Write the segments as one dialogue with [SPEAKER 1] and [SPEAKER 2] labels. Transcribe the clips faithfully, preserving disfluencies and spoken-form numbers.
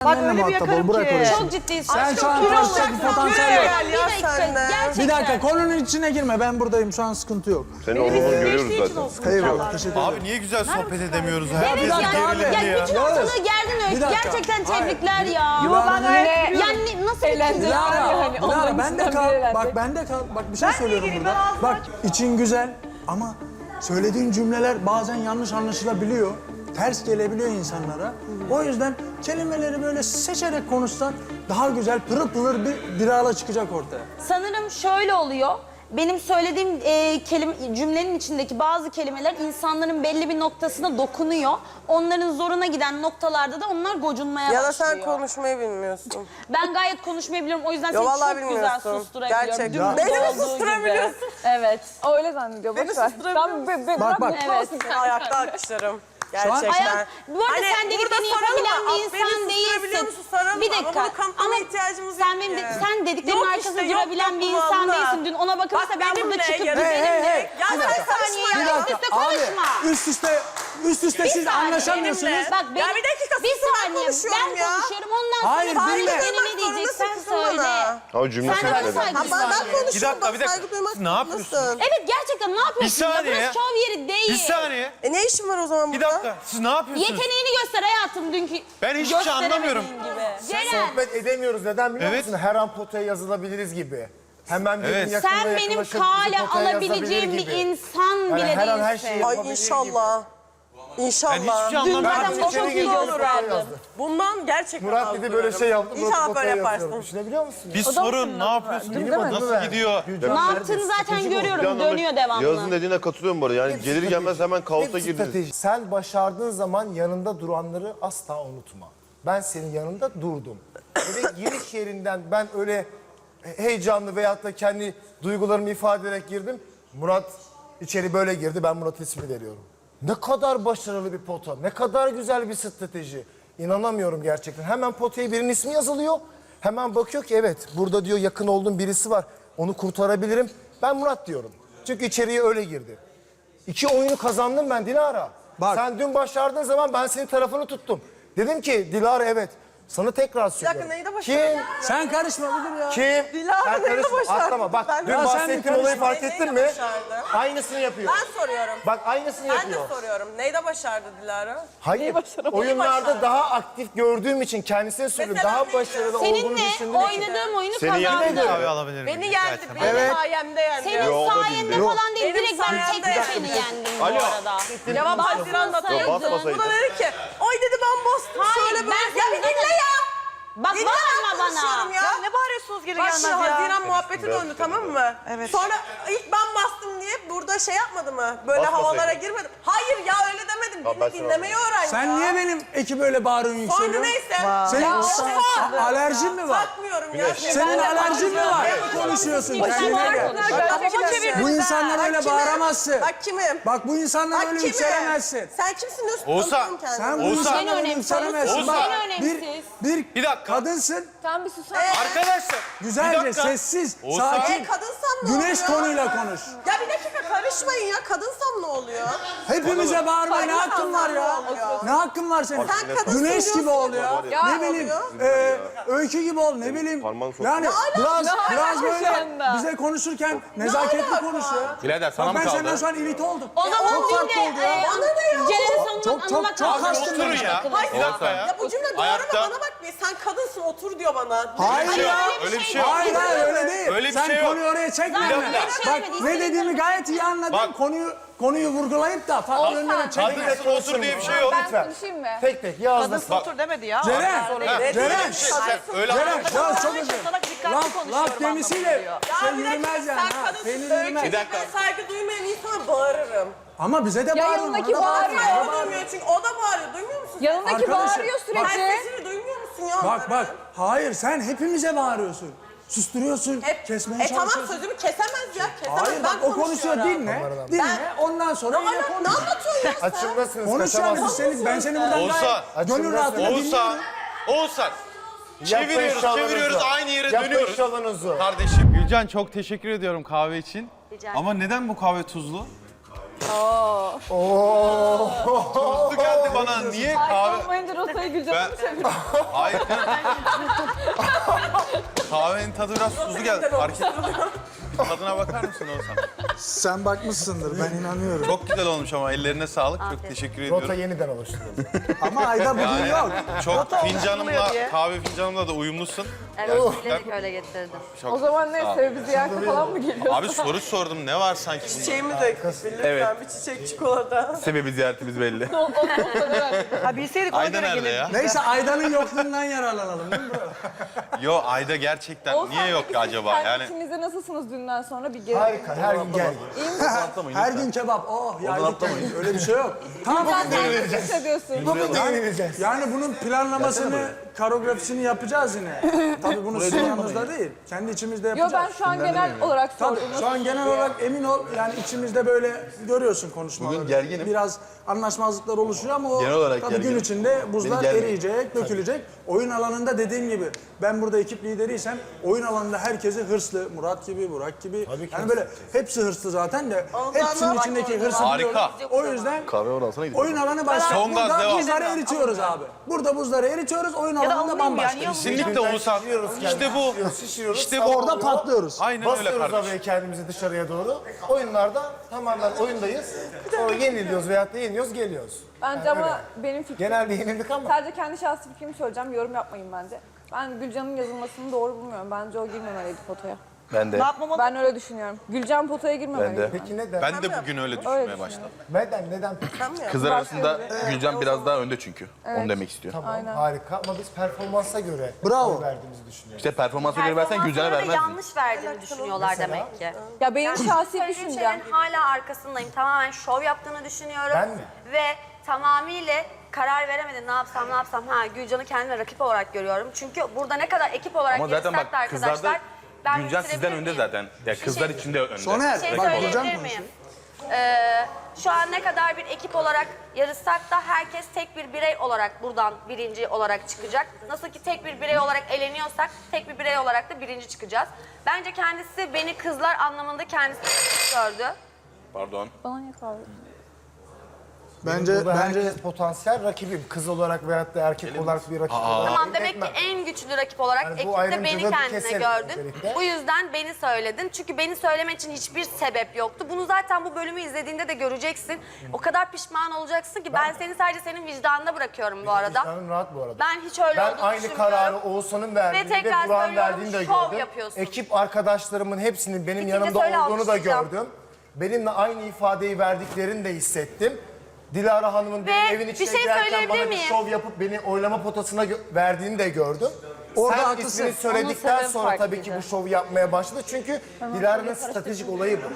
[SPEAKER 1] Kimlerle
[SPEAKER 2] öyle bir
[SPEAKER 1] muhatap ol?
[SPEAKER 2] yakarım
[SPEAKER 1] Bırak
[SPEAKER 2] ki.
[SPEAKER 1] orayı.
[SPEAKER 3] Çok ciddisin.
[SPEAKER 1] Sen şu an
[SPEAKER 2] kilo
[SPEAKER 1] karşıdaki
[SPEAKER 2] olacaksın,
[SPEAKER 1] potansiyel
[SPEAKER 2] kilo
[SPEAKER 1] yok.
[SPEAKER 2] gel
[SPEAKER 3] Bir
[SPEAKER 2] ya
[SPEAKER 3] dakika,
[SPEAKER 2] sen de.
[SPEAKER 3] gerçekten.
[SPEAKER 1] Bir dakika konunun içine girme. Ben buradayım. Şu an sıkıntı yok.
[SPEAKER 4] Senin oğlunu görüyoruz zaten.
[SPEAKER 1] Eyvallah. Teşekkür ederim.
[SPEAKER 5] Abi niye güzel sohbet edemiyoruz?
[SPEAKER 3] Evet
[SPEAKER 5] Herkes
[SPEAKER 3] yani,
[SPEAKER 5] gerilimli
[SPEAKER 3] ya
[SPEAKER 5] ya.
[SPEAKER 3] bütün ortalığı gerdin öyle.
[SPEAKER 1] Bir dakika.
[SPEAKER 3] Gerçekten
[SPEAKER 1] Hayır.
[SPEAKER 3] tebrikler ya.
[SPEAKER 2] Yo ben öyle
[SPEAKER 3] Yani nasıl
[SPEAKER 2] Eğlenceli.
[SPEAKER 3] bir
[SPEAKER 1] Dilara,
[SPEAKER 2] Yani
[SPEAKER 1] Dilara
[SPEAKER 2] onların
[SPEAKER 1] ben de
[SPEAKER 2] içinden
[SPEAKER 1] kal.
[SPEAKER 2] biri eğlendi.
[SPEAKER 1] Bak ben de kal. Bak bir şey
[SPEAKER 2] Ben de
[SPEAKER 1] söylüyorum
[SPEAKER 2] gireyim,
[SPEAKER 1] burada.
[SPEAKER 2] ben ağzımı
[SPEAKER 1] Bak için güzel ama söylediğin cümleler bazen yanlış anlaşılabiliyor. Ters gelebiliyor insanlara. O yüzden kelimeleri böyle seçerek konuşsan daha güzel pırıl pırıl bir Dilara çıkacak ortaya.
[SPEAKER 3] Sanırım şöyle oluyor. Benim söylediğim e, kelime, cümlenin içindeki bazı kelimeler insanların belli bir noktasına dokunuyor. Onların zoruna giden noktalarda da onlar gocunmaya
[SPEAKER 6] Ya da
[SPEAKER 3] başlıyor.
[SPEAKER 6] sen konuşmayı bilmiyorsun.
[SPEAKER 3] Ben gayet konuşmayı biliyorum. O yüzden
[SPEAKER 6] Yo,
[SPEAKER 3] seni
[SPEAKER 6] vallahi
[SPEAKER 3] çok güzel
[SPEAKER 6] bilmiyorsun.
[SPEAKER 3] susturabiliyorum.
[SPEAKER 6] Gerçekten.
[SPEAKER 3] Dümdüz
[SPEAKER 6] Beni mi
[SPEAKER 3] olduğu
[SPEAKER 6] susturabiliyorsun?
[SPEAKER 3] gibi. Evet.
[SPEAKER 2] O öyle zannediyor.
[SPEAKER 6] Beni
[SPEAKER 2] Boş ver.
[SPEAKER 6] susturabiliyor
[SPEAKER 2] Ben be, be,
[SPEAKER 1] Bak, bak.
[SPEAKER 3] Evet.
[SPEAKER 6] Seni ayakta alkışlarım.
[SPEAKER 1] an-
[SPEAKER 6] Gerçekten.
[SPEAKER 3] Ayak, bu arada sen
[SPEAKER 6] Hani burada
[SPEAKER 3] dediklerini
[SPEAKER 6] soralım
[SPEAKER 3] yapabilen
[SPEAKER 6] mı?
[SPEAKER 3] bir
[SPEAKER 6] Beni
[SPEAKER 3] insan
[SPEAKER 6] susturabiliyor
[SPEAKER 3] değilsin.
[SPEAKER 6] musun? Soralım
[SPEAKER 3] Bir
[SPEAKER 6] mı?
[SPEAKER 3] dakika.
[SPEAKER 6] Ama bunu kanıtlama ihtiyacımız yok
[SPEAKER 3] sen benim de,
[SPEAKER 6] ki.
[SPEAKER 3] sen dediklerinin
[SPEAKER 6] Yok
[SPEAKER 3] arkasında
[SPEAKER 6] işte, yok,
[SPEAKER 3] durabilen
[SPEAKER 6] yok,
[SPEAKER 3] bir
[SPEAKER 6] bunu
[SPEAKER 3] insan
[SPEAKER 6] anla.
[SPEAKER 3] değilsin. Dün ona bakılırsa
[SPEAKER 6] Bak
[SPEAKER 3] ben burada
[SPEAKER 6] benimle,
[SPEAKER 3] çıkıp...
[SPEAKER 6] yarın
[SPEAKER 1] Hey hey hey.
[SPEAKER 6] Ya
[SPEAKER 1] Bir
[SPEAKER 6] sen
[SPEAKER 1] dakika.
[SPEAKER 6] saniye
[SPEAKER 1] Bir
[SPEAKER 6] ya.
[SPEAKER 1] dakika.
[SPEAKER 3] Üst üste konuşma.
[SPEAKER 1] Abi üst üste üst üste siz
[SPEAKER 3] saniye,
[SPEAKER 1] anlaşamıyorsunuz.
[SPEAKER 6] benimle.
[SPEAKER 3] Bak benim,
[SPEAKER 6] Ya bir dakika,
[SPEAKER 3] bir
[SPEAKER 6] susun, ben
[SPEAKER 3] saniye.
[SPEAKER 6] konuşuyorum
[SPEAKER 3] Ben
[SPEAKER 6] ya.
[SPEAKER 3] konuşuyorum. Ondan
[SPEAKER 1] Hayır,
[SPEAKER 3] sonra
[SPEAKER 1] dinle.
[SPEAKER 3] sen benim ne
[SPEAKER 6] Duymak
[SPEAKER 3] diyeceksen
[SPEAKER 6] zorundasın
[SPEAKER 3] söyle.
[SPEAKER 6] bana.
[SPEAKER 4] Ama cümle
[SPEAKER 3] Sen bana
[SPEAKER 4] söyledi.
[SPEAKER 3] saygı
[SPEAKER 6] Ha, ben, ben konuşurum.
[SPEAKER 5] Bir dakika,
[SPEAKER 6] bak,
[SPEAKER 5] bir dakika.
[SPEAKER 6] saygı duymak
[SPEAKER 5] Siz ne yapıyorsunuz?
[SPEAKER 6] zorundasın.
[SPEAKER 3] Evet gerçekten ne yapıyorsun?
[SPEAKER 5] Bir saniye
[SPEAKER 3] Ya,
[SPEAKER 5] ya.
[SPEAKER 3] burası şov yeri değil.
[SPEAKER 5] Bir saniye.
[SPEAKER 6] E ne işin var o zaman
[SPEAKER 5] Bir
[SPEAKER 6] burada?
[SPEAKER 5] dakika. Siz ne yapıyorsunuz?
[SPEAKER 3] Yeteneğini göster hayatım dünkü.
[SPEAKER 5] Ben hiçbir şey
[SPEAKER 3] gösteremediğin
[SPEAKER 5] anlamıyorum.
[SPEAKER 3] Gibi. Ceren,
[SPEAKER 7] Sohbet edemiyoruz. Neden biliyor
[SPEAKER 5] Evet.
[SPEAKER 7] musun? Her an potaya yazılabiliriz gibi. Hemen birinin
[SPEAKER 5] Evet.
[SPEAKER 7] yakınına
[SPEAKER 3] sen benim
[SPEAKER 7] yaklaşıp bizi
[SPEAKER 3] kale
[SPEAKER 7] potaya
[SPEAKER 3] alabileceğim bir
[SPEAKER 7] yazabilir gibi.
[SPEAKER 3] insan
[SPEAKER 7] Yani
[SPEAKER 3] bile
[SPEAKER 7] her an her
[SPEAKER 3] değilsin.
[SPEAKER 7] şeyi
[SPEAKER 6] Ay
[SPEAKER 7] yapabilir
[SPEAKER 6] inşallah. İnşallah.
[SPEAKER 5] Ben hiçbir şey
[SPEAKER 3] Dün
[SPEAKER 5] anlamıyorum.
[SPEAKER 3] zaten
[SPEAKER 7] Ben
[SPEAKER 3] o
[SPEAKER 7] içeri
[SPEAKER 3] çok iyi
[SPEAKER 7] girdim,
[SPEAKER 3] olur
[SPEAKER 7] potaya
[SPEAKER 3] abi.
[SPEAKER 7] yazdı.
[SPEAKER 6] Bundan gerçekten
[SPEAKER 7] Murat dedi böyle şey yaptı. Murat'ı
[SPEAKER 6] İnşallah
[SPEAKER 7] potaya
[SPEAKER 6] böyle
[SPEAKER 7] yazıyorum.
[SPEAKER 6] yaparsın.
[SPEAKER 7] Düşünebiliyor musun?
[SPEAKER 5] Bir sorun ne yapıyorsun? Nasıl gidiyor?
[SPEAKER 3] Ne yaptığını zaten
[SPEAKER 4] Bir
[SPEAKER 3] görüyorum.
[SPEAKER 4] anlamda
[SPEAKER 3] Dönüyor devamlı.
[SPEAKER 4] Yağız'ın dediğine katılıyorum bu arada. Yani gelir gelmez hemen kaosa
[SPEAKER 7] Hep
[SPEAKER 4] girdiniz.
[SPEAKER 7] strateji. Sen başardığın zaman yanında duranları asla unutma. Ben senin yanında durdum. Ve giriş yerinden ben öyle heyecanlı veyahut da kendi duygularımı ifade ederek girdim. Murat içeri böyle girdi. Ben Murat'a ismini veriyorum. Ne kadar başarılı bir pota, ne kadar güzel bir strateji. İnanamıyorum gerçekten. Hemen potaya birinin ismi yazılıyor. Hemen bakıyor ki evet burada diyor yakın olduğum birisi var. Onu kurtarabilirim. Ben Murat diyorum. Çünkü içeriye öyle girdi. İki oyunu kazandım ben Dilara.
[SPEAKER 1] Bak.
[SPEAKER 7] Sen dün başardığın zaman ben senin tarafını tuttum. Dedim ki Dilara evet. Sana tekrar
[SPEAKER 6] Bir
[SPEAKER 7] söylüyorum.
[SPEAKER 6] dakika neydi başarı?
[SPEAKER 7] Kim?
[SPEAKER 1] Sen karışma oğlum ya.
[SPEAKER 7] Kim?
[SPEAKER 6] Dilara
[SPEAKER 7] Sen
[SPEAKER 6] neyle
[SPEAKER 7] karışma,
[SPEAKER 6] başardı?
[SPEAKER 7] atlama. Bak
[SPEAKER 6] Ben-
[SPEAKER 7] dün
[SPEAKER 1] Ya sen
[SPEAKER 7] bahsettiğim
[SPEAKER 1] bir
[SPEAKER 7] olayı
[SPEAKER 1] karışma.
[SPEAKER 7] fark ettin
[SPEAKER 6] Neyle
[SPEAKER 7] mi?
[SPEAKER 6] başardı?
[SPEAKER 7] Aynısını yapıyor.
[SPEAKER 6] Ben soruyorum.
[SPEAKER 7] Bak aynısını
[SPEAKER 6] Ben
[SPEAKER 7] yapıyor.
[SPEAKER 6] de soruyorum. Neyde başardı Dilara?
[SPEAKER 7] Hayır.
[SPEAKER 6] başardı?
[SPEAKER 7] Oyunlarda
[SPEAKER 6] başardı?
[SPEAKER 7] daha aktif gördüğüm için kendisine söylüyorum.
[SPEAKER 6] Mesela
[SPEAKER 7] Daha
[SPEAKER 6] neydi?
[SPEAKER 7] başarılı olduğunu
[SPEAKER 3] Seninle
[SPEAKER 7] düşündüğüm için.
[SPEAKER 3] oynadığım oyunu
[SPEAKER 4] Seni yemin
[SPEAKER 3] kazandım.
[SPEAKER 4] ediyorum.
[SPEAKER 5] Kahve alabilir miyim?
[SPEAKER 6] Beni yendi.
[SPEAKER 5] Rica etsem?
[SPEAKER 6] Benim
[SPEAKER 1] Evet.
[SPEAKER 6] sayemde yendi.
[SPEAKER 3] Senin
[SPEAKER 4] Yo, o da
[SPEAKER 3] sayende
[SPEAKER 4] bildi.
[SPEAKER 3] falan değil.
[SPEAKER 6] Benim
[SPEAKER 3] Direkt ben
[SPEAKER 6] sayemde
[SPEAKER 3] tek
[SPEAKER 6] yendi.
[SPEAKER 3] seni yendim bu
[SPEAKER 4] Alo.
[SPEAKER 3] arada.
[SPEAKER 6] Cevap Haziran'da
[SPEAKER 4] Ya basmasaydın.
[SPEAKER 6] Bu da dedi ki, oy dedi ben bastım
[SPEAKER 3] Hayır,
[SPEAKER 6] şöyle böyle.
[SPEAKER 3] ben
[SPEAKER 6] Ya
[SPEAKER 3] seni
[SPEAKER 6] bir dinle ya.
[SPEAKER 3] Bak
[SPEAKER 6] Dinle
[SPEAKER 3] bağırma
[SPEAKER 6] ben
[SPEAKER 3] bana.
[SPEAKER 6] konuşuyorum ya.
[SPEAKER 2] Ne bağırıyorsunuz geri
[SPEAKER 6] Bak
[SPEAKER 2] gelmez
[SPEAKER 6] şimdi
[SPEAKER 2] ya?
[SPEAKER 6] Haziran muhabbeti döndü tamam mı?
[SPEAKER 2] Evet.
[SPEAKER 6] Sonra ilk ben bastım diye burada şey yapmadı mı? Böyle
[SPEAKER 4] Basmasaydın.
[SPEAKER 6] havalara girmedim. Hayır ya öyle demedim.
[SPEAKER 4] Ya ben
[SPEAKER 6] Beni
[SPEAKER 4] sana
[SPEAKER 6] dinlemeyi öğren
[SPEAKER 1] Sen
[SPEAKER 6] ya.
[SPEAKER 1] niye benim ekibe öyle bağırıyorsun
[SPEAKER 6] Sonra
[SPEAKER 1] yükseliyorsun?
[SPEAKER 6] neyse.
[SPEAKER 1] Senin
[SPEAKER 6] Ya,
[SPEAKER 1] a- alerjin mi var?
[SPEAKER 6] Bakmıyorum ya.
[SPEAKER 1] Senin alerjin mi var? Konuşuyorsun kendine gel.
[SPEAKER 2] Gerçekten.
[SPEAKER 1] Bu insanlara öyle
[SPEAKER 6] Bak kimim?
[SPEAKER 1] bağıramazsın.
[SPEAKER 6] Bak kimim?
[SPEAKER 1] Bak bu insanlara
[SPEAKER 6] Bak
[SPEAKER 1] öyle
[SPEAKER 6] kimim?
[SPEAKER 1] yükselemezsin.
[SPEAKER 6] Sen kimsin diyorsun?
[SPEAKER 5] Oğuzhan,
[SPEAKER 6] tanıtıyorum kendimi.
[SPEAKER 1] Sen bu
[SPEAKER 5] Oğuzhan.
[SPEAKER 1] insanlara öyle
[SPEAKER 3] En
[SPEAKER 1] yükselemezsin.
[SPEAKER 3] önemsiz.
[SPEAKER 1] Bak
[SPEAKER 3] En
[SPEAKER 1] bir,
[SPEAKER 3] önemsiz.
[SPEAKER 1] bir,
[SPEAKER 5] Bir dakika.
[SPEAKER 1] kadınsın,
[SPEAKER 2] Sen bir susar.
[SPEAKER 5] Arkadaşlar. Bir
[SPEAKER 1] güzelce,
[SPEAKER 5] dakika.
[SPEAKER 1] sessiz,
[SPEAKER 5] Oğuzhan.
[SPEAKER 1] sakin,
[SPEAKER 6] E, kadınsam ne
[SPEAKER 1] güneş
[SPEAKER 6] oluyor?
[SPEAKER 1] tonuyla konuş.
[SPEAKER 6] Ya bir dakika karışmayın ya. Kadınsam ne oluyor?
[SPEAKER 1] Hepimize bağırmaya ne
[SPEAKER 6] Saygı
[SPEAKER 1] hakkın var ya?
[SPEAKER 6] insanlar oluyor.
[SPEAKER 1] Ne hakkın var senin?
[SPEAKER 6] Sen kadınsın
[SPEAKER 1] Güneş gibi
[SPEAKER 6] diyorsun.
[SPEAKER 1] ol ya.
[SPEAKER 6] Ya
[SPEAKER 1] Ne bileyim,
[SPEAKER 6] oluyor?
[SPEAKER 1] e, öykü gibi ol, ne bileyim.
[SPEAKER 4] Parmağını sok.
[SPEAKER 1] Yani biraz biraz
[SPEAKER 2] şu
[SPEAKER 1] böyle
[SPEAKER 2] anda?
[SPEAKER 1] bize konuşurken nezaketli
[SPEAKER 6] alaka?
[SPEAKER 1] konuş ya.
[SPEAKER 5] Birader sana
[SPEAKER 1] Bak
[SPEAKER 5] mı
[SPEAKER 1] ben senden
[SPEAKER 5] kaldı?
[SPEAKER 1] şu an irite oldum.
[SPEAKER 3] O zaman
[SPEAKER 1] çok
[SPEAKER 3] dün
[SPEAKER 1] farklı
[SPEAKER 3] de
[SPEAKER 1] oldu ya.
[SPEAKER 3] e,
[SPEAKER 6] Bana ne ya?
[SPEAKER 3] Ceren'in sonundan
[SPEAKER 1] Çok- çok-
[SPEAKER 3] anıma
[SPEAKER 1] çok
[SPEAKER 3] kaldı.
[SPEAKER 1] kastım
[SPEAKER 5] Oturun
[SPEAKER 1] ben.
[SPEAKER 5] ya.
[SPEAKER 6] Hayır.
[SPEAKER 5] Bir dakika ya.
[SPEAKER 6] Ya bu cümle doğru
[SPEAKER 5] Ayakta-
[SPEAKER 6] mu? Bana bak bir sen kadınsın otur diyor bana.
[SPEAKER 1] Hayır
[SPEAKER 5] şey yok.
[SPEAKER 1] ya.
[SPEAKER 5] Öyle bir şey yok.
[SPEAKER 1] Hayır hayır öyle değil.
[SPEAKER 5] Öyle bir
[SPEAKER 1] Sen
[SPEAKER 5] şey yok.
[SPEAKER 1] konuyu oraya çekme.
[SPEAKER 3] Zaten
[SPEAKER 1] hemen.
[SPEAKER 3] öyle bir şey
[SPEAKER 1] Bak
[SPEAKER 3] demedi.
[SPEAKER 1] ne
[SPEAKER 3] İstediğin
[SPEAKER 1] dediğimi gayet iyi anladım.
[SPEAKER 5] Bak.
[SPEAKER 1] Konuyu konuyu vurgulayıp da farklı yönlere çekme.
[SPEAKER 5] Kadınsın otur diye bir şey yok.
[SPEAKER 2] Ben konuşayım mı?
[SPEAKER 7] Tek tek Yağız'la
[SPEAKER 2] Kadınsın otur demedi ya.
[SPEAKER 1] Ceren,
[SPEAKER 6] Ne
[SPEAKER 1] Ceren,
[SPEAKER 6] diyeyim?
[SPEAKER 5] Sen öyle
[SPEAKER 1] Ceren,
[SPEAKER 5] anlamışsın.
[SPEAKER 1] ya çok özür dilerim.
[SPEAKER 2] Salak dikkatli
[SPEAKER 1] Laf,
[SPEAKER 2] konuşuyorum
[SPEAKER 1] laf gemisiyle
[SPEAKER 2] anlamında
[SPEAKER 1] şey
[SPEAKER 6] Ya bir dakika,
[SPEAKER 1] yürümez yani.
[SPEAKER 6] sen
[SPEAKER 1] ha.
[SPEAKER 6] kadınsın.
[SPEAKER 1] Peynir
[SPEAKER 6] Öykü
[SPEAKER 1] yürümez.
[SPEAKER 5] Bir dakika.
[SPEAKER 6] ve saygı duymayan insana bağırırım.
[SPEAKER 1] Ama bize de bağırın.
[SPEAKER 2] yanındaki
[SPEAKER 1] ona da bağırın.
[SPEAKER 2] bağırıyor.
[SPEAKER 6] Saygı duymuyor çünkü o da bağırıyor. Duymuyor musun?
[SPEAKER 2] Yanındaki
[SPEAKER 1] Arkadaşım,
[SPEAKER 2] bağırıyor
[SPEAKER 6] Sen
[SPEAKER 2] sürekli.
[SPEAKER 6] sesini duymuyor musun ya?
[SPEAKER 1] Bak bak, hayır sen hepimize bağırıyorsun. Susturuyorsun,
[SPEAKER 6] Hep,
[SPEAKER 1] kesmeye
[SPEAKER 6] e tamam
[SPEAKER 1] çalışıyorsun.
[SPEAKER 6] sözümü kesemez ya. Kesemez.
[SPEAKER 1] Hayır
[SPEAKER 6] ben
[SPEAKER 1] bak o konuşuyor
[SPEAKER 6] konuşuyorum.
[SPEAKER 1] dinle, dinle. Ondan sonra
[SPEAKER 6] Ne,
[SPEAKER 1] yine
[SPEAKER 6] ala- ne
[SPEAKER 1] konuş.
[SPEAKER 6] anlatıyorsun ya sen?
[SPEAKER 7] Açımdasınız,
[SPEAKER 1] Konuş yani biz
[SPEAKER 7] kaçamazsınız.
[SPEAKER 1] seni, ben seni buradan
[SPEAKER 5] Oğuzhan,
[SPEAKER 1] gayet gönül rahatıyla
[SPEAKER 5] Oğuzhan.
[SPEAKER 1] dinliyorum.
[SPEAKER 5] Oğuzhan. Çeviriyoruz,
[SPEAKER 7] Yapın
[SPEAKER 5] çeviriyoruz,
[SPEAKER 7] şalınızı.
[SPEAKER 5] aynı yere
[SPEAKER 7] Yapın
[SPEAKER 5] dönüyoruz.
[SPEAKER 7] şalınızı.
[SPEAKER 5] Kardeşim. Gülcan çok teşekkür ediyorum kahve için. Ama neden bu kahve tuzlu? Tuzlu geldi bana. Niye kahve?
[SPEAKER 2] Olmayınca rotayı Gülcan'a mı çeviriyor?
[SPEAKER 5] Hayır. Kahvenin tadı biraz tuzlu geldi. Fark ettin mi? Bir tadına bakar mısın Oğuzhan?
[SPEAKER 1] Sen bakmışsındır ben inanıyorum.
[SPEAKER 5] Çok güzel olmuş ama ellerine sağlık. Çok teşekkür ediyorum.
[SPEAKER 7] Rota yeniden oluşturuldu.
[SPEAKER 1] Ama Ayda bugün
[SPEAKER 5] Yani
[SPEAKER 1] yok.
[SPEAKER 5] çok fincanımla, kahve fincanımla da uyumlusun.
[SPEAKER 8] Evet, bilerek öyle getirdim.
[SPEAKER 2] O zaman ne? Sebebi ziyarete falan mı geliyor?
[SPEAKER 5] Abi soru sordum. Ne var sanki bunda?
[SPEAKER 6] Çiçeğimi de lütfen bir çiçek çikolata.
[SPEAKER 5] Sebebi ziyaretimiz belli.
[SPEAKER 2] Ha bilseydik ona
[SPEAKER 5] Ayda
[SPEAKER 2] göre
[SPEAKER 5] nerede
[SPEAKER 2] gelirdik.
[SPEAKER 5] ya?
[SPEAKER 1] Neyse Ayda'nın yokluğundan yararlanalım değil mi bro?
[SPEAKER 5] Yo Ayda gerçekten
[SPEAKER 2] Oğuzhan,
[SPEAKER 5] niye yok
[SPEAKER 2] peki siz
[SPEAKER 5] acaba?
[SPEAKER 2] kendi
[SPEAKER 5] Yani
[SPEAKER 2] içinizde nasılsınız dünden sonra bir gelin.
[SPEAKER 7] Harika, her gün gel.
[SPEAKER 1] Her gün kebap. Oh yaydık yani. Öyle bir şey yok. Tamam.
[SPEAKER 2] Nasıl hissediyorsun?
[SPEAKER 1] Yani, yani bunun planlamasını, koreografisini yapacağız yine. Tabii bunu sizin yanınızda değil. Kendi içimizde
[SPEAKER 2] Yo
[SPEAKER 1] yapacağız.
[SPEAKER 2] ben şu an genel olarak
[SPEAKER 1] Tabii
[SPEAKER 2] sordum.
[SPEAKER 1] şu an genel olarak emin ol yani içimizde böyle görüyorsun konuşmaları.
[SPEAKER 4] Bugün gerginim.
[SPEAKER 1] Biraz anlaşmazlıklar oluşuyor ama o
[SPEAKER 4] Genel olarak
[SPEAKER 1] tabii gün
[SPEAKER 4] gerginim.
[SPEAKER 1] içinde buzlar
[SPEAKER 4] Beni germeyin.
[SPEAKER 1] eriyecek, dökülecek. Oyun alanında dediğim gibi ben burada ekip lideriysem oyun alanında herkesi hırslı, Murat gibi, Burak gibi.
[SPEAKER 7] Tabii ki
[SPEAKER 1] Yani böyle hepsi hırslı zaten de hepsinin içindeki hırsı
[SPEAKER 5] Harika.
[SPEAKER 1] biliyorum. O yüzden
[SPEAKER 4] Kahve orasına gidiyor.
[SPEAKER 1] oyun alanı başka.
[SPEAKER 5] Son gaz
[SPEAKER 1] Burada
[SPEAKER 5] devam.
[SPEAKER 1] buzları eritiyoruz abi. Burada buzları eritiyoruz, oyun alanında bambaşka.
[SPEAKER 5] kesinlikle Oğuzhan. İşte bu.
[SPEAKER 7] Şişiriyoruz.
[SPEAKER 5] İşte
[SPEAKER 7] sağ
[SPEAKER 5] bu.
[SPEAKER 1] Orada
[SPEAKER 7] olun.
[SPEAKER 1] patlıyoruz.
[SPEAKER 5] Aynen öyle
[SPEAKER 7] Basıyoruz
[SPEAKER 5] kardeşim.
[SPEAKER 7] havaya kendimizi dışarıya doğru. Oyunlarda tamamen oyundayız. Sonra yeniliyoruz veyahut da yeniyoruz, geliyoruz.
[SPEAKER 2] Bence ama benim fikrim.
[SPEAKER 7] Genelde yenildik ama.
[SPEAKER 2] Sadece kendi şahsi fikrimi söyleyeceğim. Yorum yapmayın bence. Ben Gülcan'ın yazılmasını doğru bulmuyorum. Bence o girmemeliydi potaya.
[SPEAKER 4] Ben de.
[SPEAKER 2] Ben öyle düşünüyorum. Gülcan potaya girmemeliydi.
[SPEAKER 4] Ben de.
[SPEAKER 7] Peki neden?
[SPEAKER 5] Ben de bugün öyle düşünmeye
[SPEAKER 2] düşünüyorum.
[SPEAKER 5] başladım.
[SPEAKER 7] Neden? Neden?
[SPEAKER 4] Kızlar arasında Gülcan biraz daha önde çünkü. Onu demek istiyor.
[SPEAKER 7] Tamam,
[SPEAKER 2] Aynen.
[SPEAKER 7] harika ama biz performansa göre
[SPEAKER 1] Bravo.
[SPEAKER 7] oy verdiğimizi düşünüyoruz.
[SPEAKER 4] İşte performansa göre versen Gülcan'a
[SPEAKER 8] Performansları
[SPEAKER 4] vermezdin.
[SPEAKER 8] yanlış verdiğini düşünüyorlar demek ki.
[SPEAKER 2] Ya benim şahsi
[SPEAKER 8] Söylediğim
[SPEAKER 2] düşüncem.
[SPEAKER 8] şeylerin hala arkasındayım. Tamamen şov yaptığını düşünüyorum.
[SPEAKER 7] Ben mi?
[SPEAKER 8] Ve tamamıyla karar veremedim ne yapsam ne yapsam. Ha Gülcan'ı kendime rakip olarak görüyorum. Çünkü burada ne kadar ekip olarak
[SPEAKER 4] Ama zaten
[SPEAKER 8] yarışsak da
[SPEAKER 4] bak kızlarda
[SPEAKER 8] arkadaşlar. ben
[SPEAKER 4] Gülcan
[SPEAKER 8] bitirebilir
[SPEAKER 4] sizden önde
[SPEAKER 8] miyim?
[SPEAKER 4] zaten. Ya kızlar içinde önde.
[SPEAKER 1] Soner,
[SPEAKER 8] Bir şey
[SPEAKER 1] bak
[SPEAKER 8] söyleyebilir
[SPEAKER 1] Gülcan
[SPEAKER 8] miyim? Ee, şu an ne kadar bir ekip olarak yarışsak da herkes tek bir birey olarak buradan birinci olarak çıkacak. Nasıl ki tek bir birey olarak eleniyorsak tek bir birey olarak da birinci çıkacağız. Bence kendisi beni kızlar anlamında kendisi gördü.
[SPEAKER 4] Pardon.
[SPEAKER 2] Bana niye kahve?
[SPEAKER 1] Bence
[SPEAKER 7] Burada
[SPEAKER 1] bence
[SPEAKER 7] herkes potansiyel rakibim. Kız olarak veyahut da erkek olarak bir rakip olarak.
[SPEAKER 8] Tamam
[SPEAKER 7] kabul
[SPEAKER 8] demek ki
[SPEAKER 7] etmem.
[SPEAKER 8] en güçlü rakip olarak
[SPEAKER 7] Yani bu
[SPEAKER 8] ekipte
[SPEAKER 7] ayrımcılığı
[SPEAKER 8] beni
[SPEAKER 7] bir
[SPEAKER 8] kendine
[SPEAKER 7] keselim
[SPEAKER 8] gördün.
[SPEAKER 7] öncelikle.
[SPEAKER 8] Bu yüzden beni söyledin. Çünkü beni söylemen için hiçbir sebep yoktu. Bunu zaten bu bölümü izlediğinde de göreceksin. O kadar pişman olacaksın ki ben, seni sadece senin vicdanına bırakıyorum bu arada.
[SPEAKER 7] Vicdanım rahat bu arada.
[SPEAKER 8] Ben hiç öyle
[SPEAKER 7] Ben
[SPEAKER 8] olduğunu
[SPEAKER 7] aynı
[SPEAKER 8] düşünmüyorum.
[SPEAKER 7] kararı Oğuzhan'ın verdiğini
[SPEAKER 8] Ve
[SPEAKER 7] ve,
[SPEAKER 8] tekrar
[SPEAKER 7] Burak'ın
[SPEAKER 8] söylüyorum,
[SPEAKER 7] verdiğini de
[SPEAKER 8] şov
[SPEAKER 7] gördüm.
[SPEAKER 8] yapıyorsun.
[SPEAKER 7] Ekip arkadaşlarımın hepsinin benim
[SPEAKER 8] Bitince
[SPEAKER 7] yanımda
[SPEAKER 8] söyle,
[SPEAKER 7] olduğunu da
[SPEAKER 8] alkışlayacağım.
[SPEAKER 7] gördüm. Benimle aynı ifadeyi verdiklerini de hissettim. Dilara Hanım'ın benim evin
[SPEAKER 8] bir
[SPEAKER 7] içine
[SPEAKER 8] şey
[SPEAKER 7] girerken
[SPEAKER 8] söyleyebilir
[SPEAKER 7] bana bir
[SPEAKER 8] miyim?
[SPEAKER 7] şov yapıp beni oylama potasına gö- verdiğini de gördüm.
[SPEAKER 1] Orada
[SPEAKER 7] Sen
[SPEAKER 1] haklısın.
[SPEAKER 7] ismini söyledikten
[SPEAKER 2] sebebi
[SPEAKER 7] sonra tabii ki
[SPEAKER 2] farklıydı.
[SPEAKER 7] bu şovu yapmaya başladı. Çünkü Dilara'nın stratejik olayı bu.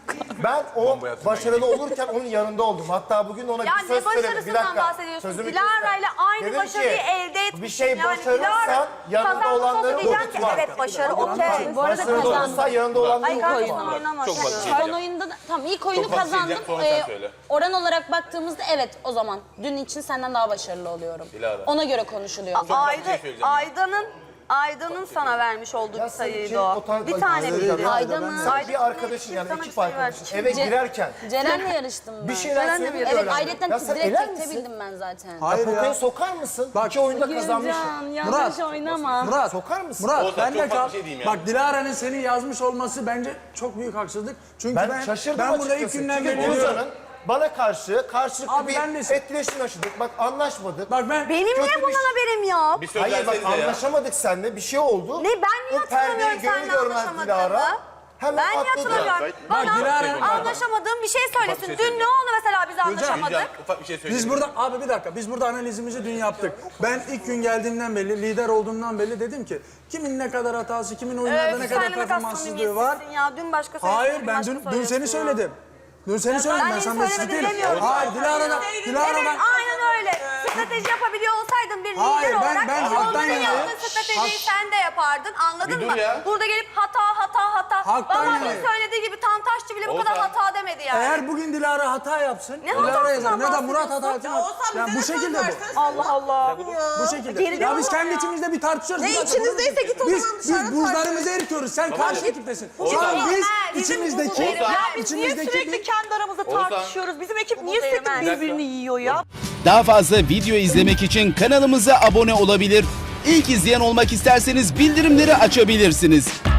[SPEAKER 7] Ben o başarılı olurken onun yanında oldum. Hatta bugün ona
[SPEAKER 8] Ya
[SPEAKER 7] bir söz
[SPEAKER 8] ne
[SPEAKER 7] söyledim. Bir
[SPEAKER 8] başarısından
[SPEAKER 7] dakika.
[SPEAKER 8] bahsediyorsun?
[SPEAKER 7] Sözümü
[SPEAKER 8] Dilara ile
[SPEAKER 7] kesme.
[SPEAKER 8] aynı
[SPEAKER 7] Dedim
[SPEAKER 8] başarıyı
[SPEAKER 7] ki,
[SPEAKER 8] elde etmişsin.
[SPEAKER 7] bir şey
[SPEAKER 8] Yani
[SPEAKER 7] başarırsan
[SPEAKER 8] Dilara
[SPEAKER 7] yanında
[SPEAKER 8] kazanmış
[SPEAKER 7] olanları
[SPEAKER 8] olsa diyeceğim ki
[SPEAKER 7] unutma.
[SPEAKER 8] evet başarı okey.
[SPEAKER 3] Bu arada
[SPEAKER 7] Başarılı
[SPEAKER 3] kazandı.
[SPEAKER 7] olursa yanında olanları
[SPEAKER 8] Ay kardeşim
[SPEAKER 7] unutma.
[SPEAKER 8] oynama.
[SPEAKER 4] Çok basit.
[SPEAKER 3] Son oyunda da, tamam ilk oyunu
[SPEAKER 4] Çok basit
[SPEAKER 3] kazandım.
[SPEAKER 4] diyeceğim, sonra sen
[SPEAKER 3] Ee,
[SPEAKER 4] söyle.
[SPEAKER 3] oran olarak baktığımızda evet o zaman dün için senden daha başarılı oluyorum.
[SPEAKER 4] Dilara.
[SPEAKER 3] Ona göre konuşuluyor.
[SPEAKER 8] Ayda,
[SPEAKER 4] söyleyeceğim.
[SPEAKER 8] Aydan'ın Aydan'ın sana vermiş olduğu
[SPEAKER 7] Ya
[SPEAKER 8] bir
[SPEAKER 7] sen
[SPEAKER 8] sayıydı
[SPEAKER 7] şey,
[SPEAKER 8] o.
[SPEAKER 7] potan-
[SPEAKER 8] Bir
[SPEAKER 7] Ay,
[SPEAKER 8] tane
[SPEAKER 7] Ayda-
[SPEAKER 8] miydi?
[SPEAKER 3] Aydan'ın
[SPEAKER 7] Sen
[SPEAKER 8] Ayda
[SPEAKER 7] bir arkadaşın
[SPEAKER 8] kim
[SPEAKER 7] yani
[SPEAKER 8] sana
[SPEAKER 7] ekip
[SPEAKER 8] bir sayı
[SPEAKER 7] arkadaşın
[SPEAKER 8] verdi?
[SPEAKER 7] eve
[SPEAKER 3] Ce-
[SPEAKER 7] girerken
[SPEAKER 3] Ceren'le yarıştım ben.
[SPEAKER 7] bir şeyler
[SPEAKER 8] Ceren'le mi
[SPEAKER 7] söylüyor.
[SPEAKER 3] Evet
[SPEAKER 7] öğrendim.
[SPEAKER 3] ayrıca
[SPEAKER 7] Ya sen
[SPEAKER 3] direkt
[SPEAKER 7] eler misin?
[SPEAKER 3] çektebildim ben zaten.
[SPEAKER 1] hayır
[SPEAKER 7] Potaya
[SPEAKER 1] ya.
[SPEAKER 7] sokar mısın?
[SPEAKER 1] Bak-
[SPEAKER 7] İki oyunda kazanmışsın.
[SPEAKER 3] Gülcan yanlış
[SPEAKER 1] Murat,
[SPEAKER 3] oynama.
[SPEAKER 1] Murat,
[SPEAKER 7] Sokar mısın?
[SPEAKER 1] Murat
[SPEAKER 4] Oğuzhan,
[SPEAKER 1] ben de
[SPEAKER 4] çok farklı
[SPEAKER 1] kal.
[SPEAKER 4] bir şey diyeyim yani.
[SPEAKER 1] Bak Dilara'nın seni yazmış olması bence çok büyük haksızlık. Çünkü
[SPEAKER 7] Ben,
[SPEAKER 1] ben
[SPEAKER 7] şaşırdım
[SPEAKER 1] ben burada
[SPEAKER 7] açıkçası.
[SPEAKER 1] ilk günden
[SPEAKER 7] Çünkü
[SPEAKER 1] beri diyorum.
[SPEAKER 7] Oğuzhan'ın bana karşı karşılıklı
[SPEAKER 1] Abi
[SPEAKER 7] bir
[SPEAKER 1] ben de-
[SPEAKER 7] etkileşim yaşadık. Bak anlaşmadık.
[SPEAKER 1] Bak ben
[SPEAKER 8] Benim
[SPEAKER 7] Kötü
[SPEAKER 8] niye
[SPEAKER 7] bir
[SPEAKER 8] bundan
[SPEAKER 7] şey-
[SPEAKER 8] haberim yok?
[SPEAKER 4] Bir söz
[SPEAKER 7] Hayır bak
[SPEAKER 4] versenize ya.
[SPEAKER 7] anlaşamadık seninle. Bir şey oldu.
[SPEAKER 8] Ne ben niye
[SPEAKER 7] O perdeyi
[SPEAKER 8] hatırlamıyorum
[SPEAKER 7] görür
[SPEAKER 8] seninle
[SPEAKER 7] görmez Dilara.
[SPEAKER 8] anlaşamadığımı?
[SPEAKER 7] Hemen
[SPEAKER 8] Ben niye
[SPEAKER 7] atladı.
[SPEAKER 8] hatırlamıyorum?
[SPEAKER 1] Bak,
[SPEAKER 8] Bana
[SPEAKER 1] Dilara-
[SPEAKER 8] anlaşamadığım bir şey söylesin.
[SPEAKER 4] şey
[SPEAKER 8] Dün
[SPEAKER 4] söyleyeceğim.
[SPEAKER 8] ne oldu mesela biz anlaşamadık?
[SPEAKER 4] Gülcan ufak bir şey söyleyeyim.
[SPEAKER 1] biz burada abi bir dakika biz burada analizimizi dün yaptık. Ben ilk gün geldiğimden belli lider olduğumdan belli dedim ki kimin ne kadar hatası, kimin oyunlarda ne
[SPEAKER 8] Öf,
[SPEAKER 1] kadar
[SPEAKER 8] sen ne kadar
[SPEAKER 1] performanssızlığı var.
[SPEAKER 8] samimiyetsizsin ya. Dün başka söyledin.
[SPEAKER 1] Hayır
[SPEAKER 8] bugün
[SPEAKER 1] ben
[SPEAKER 8] başka
[SPEAKER 1] dün, dün
[SPEAKER 8] söylüyorsun
[SPEAKER 1] seni
[SPEAKER 8] ya.
[SPEAKER 1] söyledim. Dün seni söyledim ben,
[SPEAKER 8] beni
[SPEAKER 1] sana mesut
[SPEAKER 8] söylemedin
[SPEAKER 1] değilim.
[SPEAKER 8] demiyorum.
[SPEAKER 1] Hayır Dilara'dan,
[SPEAKER 8] Evet
[SPEAKER 1] Dilara'dan.
[SPEAKER 8] aynen öyle. Strateji yapabiliyor olsaydın bir
[SPEAKER 1] Hayır,
[SPEAKER 8] lider
[SPEAKER 1] ben-
[SPEAKER 8] olarak
[SPEAKER 1] ben
[SPEAKER 8] onların
[SPEAKER 1] halktan yanayım.
[SPEAKER 8] yaptığı stratejiyi
[SPEAKER 1] Halk-
[SPEAKER 8] sen de yapardın, anladın
[SPEAKER 4] Bir dur
[SPEAKER 8] mı?
[SPEAKER 4] ya.
[SPEAKER 8] Burada gelip hata hata hata.
[SPEAKER 1] Haktan
[SPEAKER 8] Babamın
[SPEAKER 1] yani.
[SPEAKER 8] söylediği gibi Tantaşçı bile bu kadar
[SPEAKER 4] Oğuzhan.
[SPEAKER 8] hata demedi yani.
[SPEAKER 1] Eğer bugün Dilara hata yapsın,
[SPEAKER 8] Ne
[SPEAKER 1] Dilara
[SPEAKER 8] hatasından
[SPEAKER 1] yazar. Ne de Murat hata
[SPEAKER 8] bahsediyorsun?
[SPEAKER 1] yapsın.
[SPEAKER 6] Ya Oğuzhan
[SPEAKER 1] Yani
[SPEAKER 6] bize
[SPEAKER 1] bu
[SPEAKER 6] de söz
[SPEAKER 1] şekilde bu.
[SPEAKER 6] versene.
[SPEAKER 2] Allah Allah.
[SPEAKER 1] Bu şekilde.
[SPEAKER 2] Geriliyor
[SPEAKER 1] Ya biz
[SPEAKER 2] ama
[SPEAKER 1] kendi
[SPEAKER 2] ya.
[SPEAKER 1] içimizde bir tartışıyoruz.
[SPEAKER 6] Ne
[SPEAKER 1] Bir dakika,
[SPEAKER 6] içinizdeyse
[SPEAKER 1] bunu-
[SPEAKER 6] git o
[SPEAKER 1] biz,
[SPEAKER 6] zaman
[SPEAKER 1] Biz
[SPEAKER 6] dışarı
[SPEAKER 1] buzlarımızı
[SPEAKER 6] tartış.
[SPEAKER 1] eritiyoruz. Sen karşı ekiptesin. Şu
[SPEAKER 8] Oğuzhan.
[SPEAKER 1] an biz
[SPEAKER 8] Bizim
[SPEAKER 1] içimizdeki...
[SPEAKER 8] buzlarımız-
[SPEAKER 2] Ya biz niye
[SPEAKER 1] içimizdeki
[SPEAKER 2] sürekli
[SPEAKER 1] bir-
[SPEAKER 2] kendi aramızda
[SPEAKER 4] Oğuzhan.
[SPEAKER 2] tartışıyoruz? Bizim ekip niye
[SPEAKER 8] Bu
[SPEAKER 2] sürekli
[SPEAKER 8] değmez.
[SPEAKER 2] birbirini yiyor ya?
[SPEAKER 9] Daha fazla video izlemek için kanalımıza abone olabilir. İlk izleyen olmak isterseniz bildirimleri açabilirsiniz.